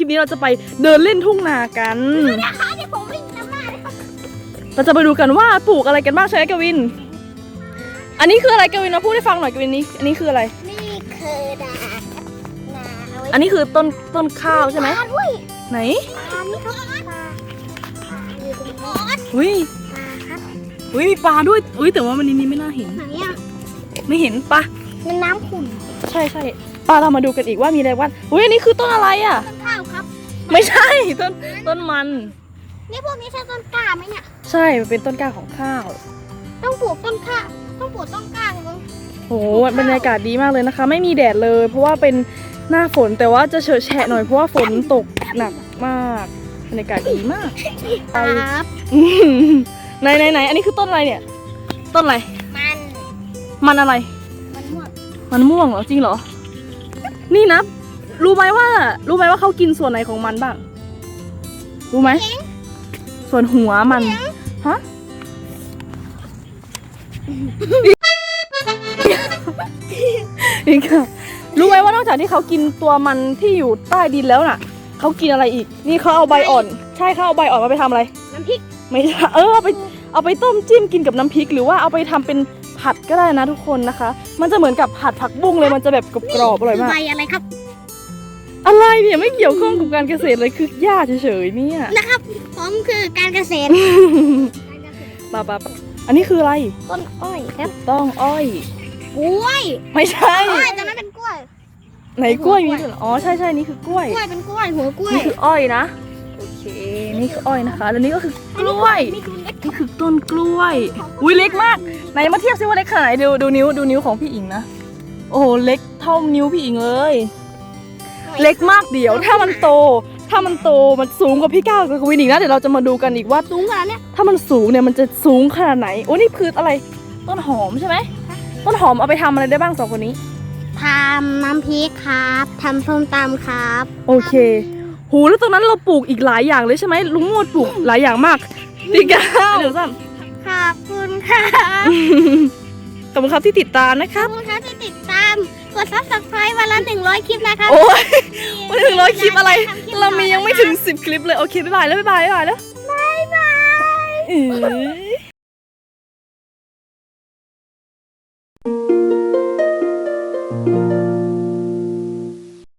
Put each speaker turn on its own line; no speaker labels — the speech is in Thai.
นี้เราจะไปเดินเล่นทุ่งนากัน
นะคะเดี๋ยวผมวิ่งนำหน้าเลยครับ
เราจะไปดูกันว่าปลูกอะไรกันบ้างใช่ไหมกวินอันนี้คืออะไรกวินมาพูดให้ฟังหน่อยกวินนี้อันนี้คืออะไร
นี่คือนาเอาไว้
อันนี้คือต้นข้าวใช่ไหม
ปลาด้วย
ไหน
ปลานี่ครับปลาอยู่ตรงนี้
อุ้ย
ปลาครับ
อุ้ยมีปลาด้วยอุ้ยแต่ว่ามันนี้ไม่น่าเห็น
ไหนอ่ะ
ไม่เห็นปะ
มันน้ำขุ่น
ใช่ใช่ปลาเรามาดูกันอีกว่ามีอะไรบ้างอุ้ยอันนี้คือต้นอะไรอ่ะ
ต้นข้าวครับ
ไม่ใช่ต้นมัน
นี่พวกนี้ใช่ต้นกล้าไหมเนี่ย
ใช่มันเป็นต้นกล้าของข้าว
ต้องปลูกต้นข้าวต้องปลูกต้นกล้าเลย
โหบรรยากาศดีมากเลยนะคะ ไม่มีแดดเลย เพราะว่าเป็นหน้าฝนแต่ว่าจะเฉอะแฉะหน่อยเพราะว่าฝนตกหนักมากบรรยากาศดีมาก
ครับ
ไหนอันนี้คือต้นอะไรเนี่ยต้นอะไร
มัน
อะไร
มันม่วง
มันม่วงเหรอจริงเหรอนี่นะรู้ไหมว่าเขากินส่วนไหนของมันบ้างรู้ไหมส่วนหัวมันฮะอีกค่ะรู้ไหมว่านอกจากที่เขากินตัวมันที่อยู่ใต้ดินแล้วน่ะเขากินอะไรอีกนี่เขาเอาใบอ่อนใช่เขาเอาใบอ่อนมาไปทำอะไร
น้ำพริก
ไม่ใช่เอาไปต้มจิ้มกินกับน้ำพริกหรือว่าเอาไปทำเป็นผัดก็ได้นะทุกคนนะคะมันจะเหมือนกับผัดผักบุ้งเลยมันจะแบบกรอบๆอร่อยมาก
ใบอะไรครับ
อะไรเนี่ยไม่เกี่ยวข้องกับการเกษตรเลยคือหญ้าเฉยๆเนี่ย
นะครับผมคือการเกษตร
ปะอันนี้คืออะไร
ต้นอ้อยครับ
ต้องอ้อย
กล้วย
ไม่ใช่
อ้อยแต่ไม่เป็นกล้วย
ไหนกล้วยมีด้วยเหรออ๋อใช่นี่คือกล้วย
กล้วยเป็นกล้วยหัวกล้วย
นี่คืออ้อยนะโอเคนี่คืออ้อยนะคะแล้วนี่ก็คือกล้วย
นี่คือเล็ก
นี่คือต้นกล้วยอุ้ยเล็กมากไหนมาเทียบซิว่าเล็กขนาดไหนดูนิ้วของพี่อิงนะโอ้โหเล็กเท่านิ้วพี่อิงเลยเล็กมากเดี๋ยวถ้ามันโตมันสูงกว่าพี่ก้าวกับวินอีกนะเดี๋ยวเราจะมาดูกันอีกว่า
สูงขนาดเนี้ย
ถ้ามันสูงเนี่ยมันจะสูงขนาดไหนโอ้นี่คืออะไรต้นหอมใช่ไหมต้นหอมเอาไปทำอะไรได้บ้างสองคนนี้
ทำน้ำพริกครับทำส้มตำครับ
โอเคหูแล้วตรงนั้นเราปลูกอีกหลายอย่างเลยใช่ไหมลุงโมดปลูกหลายอย่างมากพี่ก้าวเดี๋ยวซ้
ขอบคุณค่ะ
ำขอบคุณครับที่ติดตามนะค
ขอ
รั
บบ คุณค่ะที่ติดตามกด subscribe วันละ100 คลิปนะคะ
โอ้ยไม่ถึง100 คลิปอะไร เรามียังไม่ถึง10 คลิปเลยโอเคบ๊ายบายแล้วบ๊ายบายแล้ว
บ๊ายบาย
เอ้ย